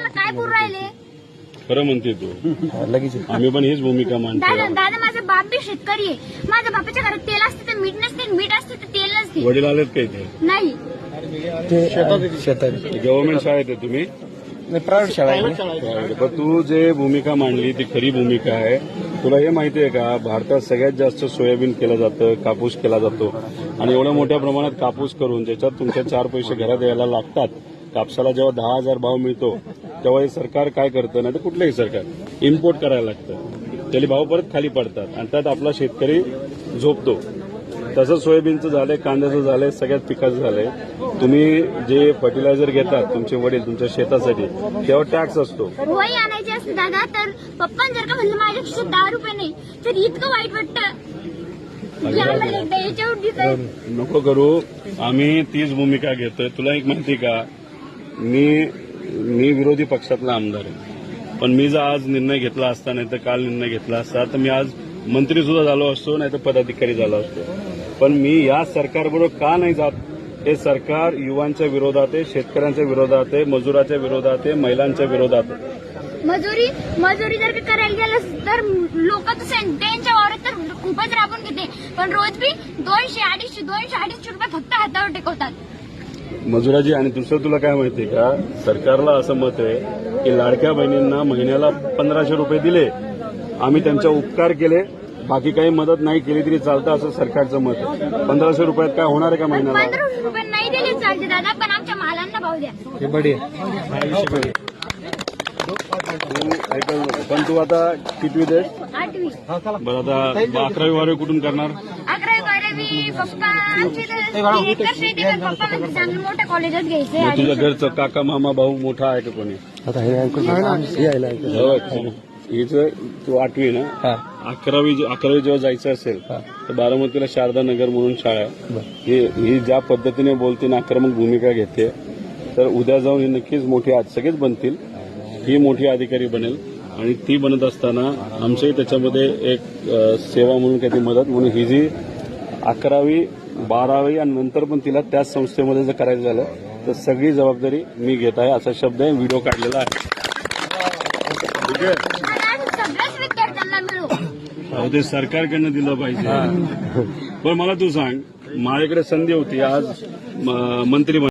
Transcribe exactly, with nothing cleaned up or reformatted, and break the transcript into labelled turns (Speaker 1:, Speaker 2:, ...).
Speaker 1: शेतकऱ्यांना काय पुरू राहिले?
Speaker 2: खरं म्हणते तू. लगेच आम्ही पण हीच भूमिका मांडतो.
Speaker 1: दादा दादा माझा बाप बी शेतकरी आहे. माझ्या बापाच्या घरात तेल असते तर मीठ नसते, मीठ असते तर तेल नसते.
Speaker 2: वडील आलेत का इथे?
Speaker 1: नाही,
Speaker 2: गव्हर्नमेंट शाळेत आहे तुम्ही?
Speaker 3: प्रायव्हेट शाळा आहे.
Speaker 2: पण तू जे भूमिका मांडली ती खरी भूमिका आहे. तुला हे माहिती आहे का, भारतात सगळ्यात जास्त सोयाबीन केलं जातं, कापूस केला जातो आणि एवढ्या मोठ्या प्रमाणात कापूस करून ज्याच्यात तुमच्या चार पैसे घरात यायला लागतात, कापसाला जेव्हा दहा हजार भाव मिळतो तेव्हा हे सरकार काय करतं, नाही तर कुठलंही सरकार इम्पोर्ट करायला लागतं, त्याला भाव परत खाली पडतात आणि त्यात आपला शेतकरी झोपतो. तसं सोयाबीनचं झालंय, कांद्याचं झालंय, सगळ्याच पिकाचं झालंय. तुम्ही जे फर्टिलायझर घेतात तुमचे वडील तुमच्या शेतासाठी तेव्हा टॅक्स असतो.
Speaker 1: वही आणायची असते दादा, तर पप्पा जर का म्हणलं माझ्या खिशात दहा रुपये नाही तर इतकं वाईट वाटतं की आम्हाला एकदा याच्यावर दिसतंय.
Speaker 2: नको करू, आम्ही तीच भूमिका घेतोय. तुला एक माहिती का, मी मी विरोधी पक्षातला आमदार आहे, पण मी जर आज निर्णय घेतला असता, नाही तर काल निर्णय घेतला असता, तर मी आज मंत्री सुद्धा झालो असतो, नाही तर पदाधिकारी झालो असतो. पण मी या सरकारबरोबर का नाही जात? हे सरकार युवांच्या विरोधात आहे, शेतकऱ्यांच्या विरोधात आहे, मजुराच्या विरोधात आहे, महिलांच्या विरोधात आहे.
Speaker 1: मजुरी मजुरी जर का करायला गेलं तर लोक त्यांच्या वावरात तर खूपच राबून घेते, पण रोज बी दोनशे अडीचशे दोनशे अडीचशे रुपये फक्त हातावर टेकवतात
Speaker 2: मजुराजी. आणि दुसरं तुला काय माहितीये का, सरकारला असं मत आहे की लाडक्या बहिणींना महिन्याला पंधराशे रुपये दिले, आम्ही त्यांचा उपकार केले, बाकी काही मदत नाही केली तरी चालतं, असं सरकारचं मत आहे. पंधराशे रुपयात काय होणार आहे का महिन्याला?
Speaker 1: पंधराशे रुपये नाही दिले चालते दादा, पण आमच्या मालांना भाव द्या.
Speaker 3: हे बडी
Speaker 2: पण तू आता कितवी दे?
Speaker 1: आठवी
Speaker 2: बरं, आता अकरावी बारावी कुठून करणार?
Speaker 1: अकरावी बारावी पप्पा आमचे तर एकर शेती आहे, तर पप्पा म्हणजे चांगलं मोठ्या कॉलेजात घ्यायचे.
Speaker 2: मग तुझ्या घरचं काका मामा भाऊ मोठा आहे का कोणी?
Speaker 3: आता हे यायला
Speaker 2: हिचं तू आठवी ना, अकरावी अकरावी जेव्हा जायचं असेल तर बारामतीला शारदा नगर म्हणून शाळा आहे. ही ही ज्या पद्धतीने बोलते ना, आक्रमक भूमिका घेते, तर उद्या जाऊन ही नक्कीच मोठी, आज सगळेच बनतील, ही मोठी अधिकारी बनेल. आणि ती बनत असताना आमचंही त्याच्यामध्ये एक सेवा म्हणून काही मदत म्हणून ही जी अकरावी बारावी आणि नंतर पण तिला त्याच संस्थेमध्ये जर करायचं झालं तर सगळी जबाबदारी मी घेत आहे, असा शब्द आहे, व्हिडिओ काढलेला आहे. ठीक आहे,
Speaker 1: सगळ्याच विद्यार्थ्यांना मिळू.
Speaker 2: अहो, ते सरकारकडनं दिलं पाहिजे. पण मला तू सांग, माझ्याकडे संधी होती आज मंत्री